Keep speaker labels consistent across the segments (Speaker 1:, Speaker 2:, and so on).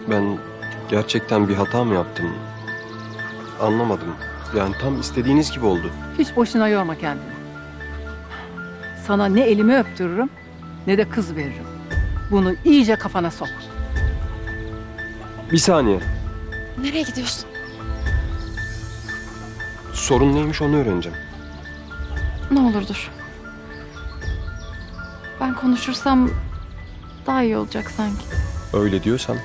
Speaker 1: Ben gerçekten bir hata mı yaptım? Anlamadım. Yani tam istediğiniz gibi oldu.
Speaker 2: Hiç boşuna yorma kendini. Sana ne elimi öptürürüm ne de kız veririm. Bunu iyice kafana sok.
Speaker 1: Bir saniye.
Speaker 3: Nereye gidiyorsun?
Speaker 1: Sorun neymiş onu öğreneceğim.
Speaker 3: Ne olur dur. Ben konuşursam daha iyi olacak sanki.
Speaker 1: Öyle diyorsan.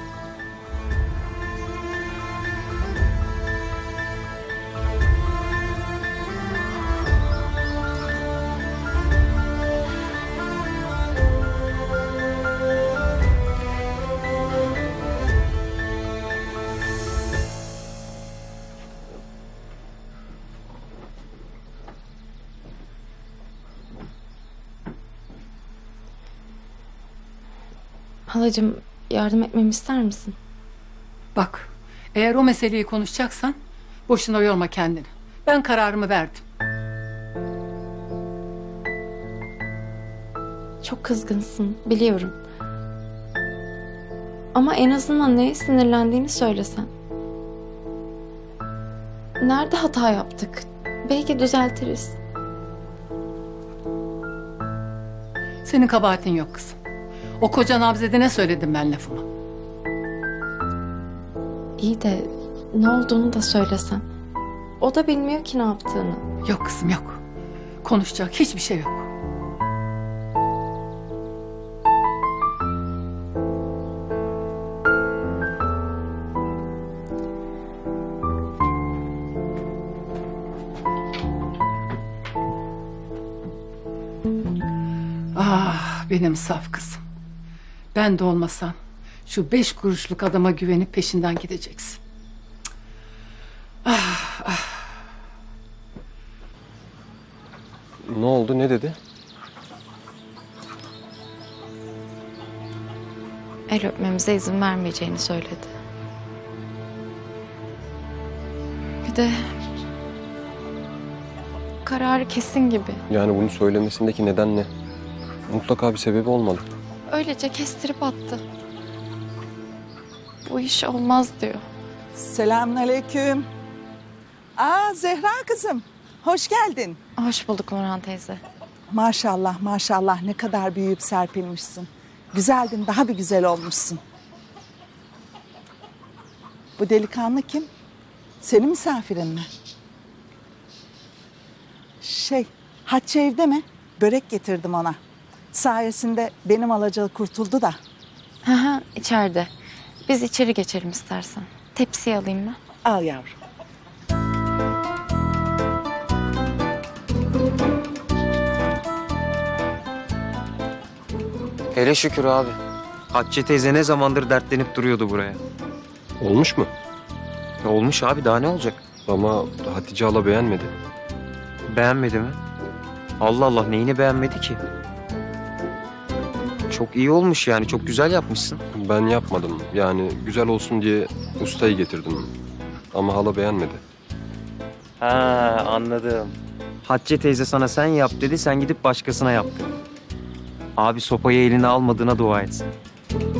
Speaker 3: Halacığım yardım etmemi ister misin?
Speaker 2: Bak, eğer o meseleyi konuşacaksan boşuna yorma kendini. Ben kararımı verdim.
Speaker 3: Çok kızgınsın biliyorum. Ama en azından neye sinirlendiğini söylesen. Nerede hata yaptık? Belki düzeltiriz.
Speaker 2: Senin kabahatin yok kızım. O koca Nabzede ne söyledim ben lafımı?
Speaker 3: İyi de ne olduğunu da söylesen. O da bilmiyor ki ne yaptığını.
Speaker 2: Yok kızım yok. Konuşacak hiçbir şey yok. Ah benim saf kızım. Ben de olmasam şu 5 kuruşluk adama güvenip peşinden gideceksin.
Speaker 1: Ne oldu, ne dedi?
Speaker 3: El öpmemize izin vermeyeceğini söyledi. Bir de kararı kesin gibi.
Speaker 1: Yani bunu söylemesindeki neden ne? Mutlaka bir sebebi olmalı.
Speaker 3: Öylece kestirip attı. Bu iş olmaz diyor.
Speaker 4: Selamünaleyküm. Zehra kızım. Hoş geldin.
Speaker 3: Hoş bulduk Nurhan teyze.
Speaker 4: Maşallah maşallah ne kadar büyüyüp serpilmişsin. Güzeldin, daha bir güzel olmuşsun. Bu delikanlı kim? Senin misafirin mi? Hatice evde mi? Börek getirdim ona. Sayesinde benim alacağı kurtuldu da.
Speaker 3: Hı, içeride. Biz içeri geçelim istersen. Tepsiyi alayım ben.
Speaker 4: Al yavrum.
Speaker 5: Hele şükür abi. Hatice teyze ne zamandır dertlenip duruyordu buraya.
Speaker 1: Olmuş mu?
Speaker 5: Olmuş abi, daha ne olacak?
Speaker 1: Ama Hatice hala beğenmedi.
Speaker 5: Beğenmedi mi? Allah Allah, neyini beğenmedi ki? Çok iyi olmuş yani, çok güzel yapmışsın.
Speaker 1: Ben yapmadım. Yani güzel olsun diye ustayı getirdim. Ama hala beğenmedi.
Speaker 5: Ha, anladım. Hatice teyze sana sen yap dedi, sen gidip başkasına yaptın. Abi sopayı eline almadığına dua etsin.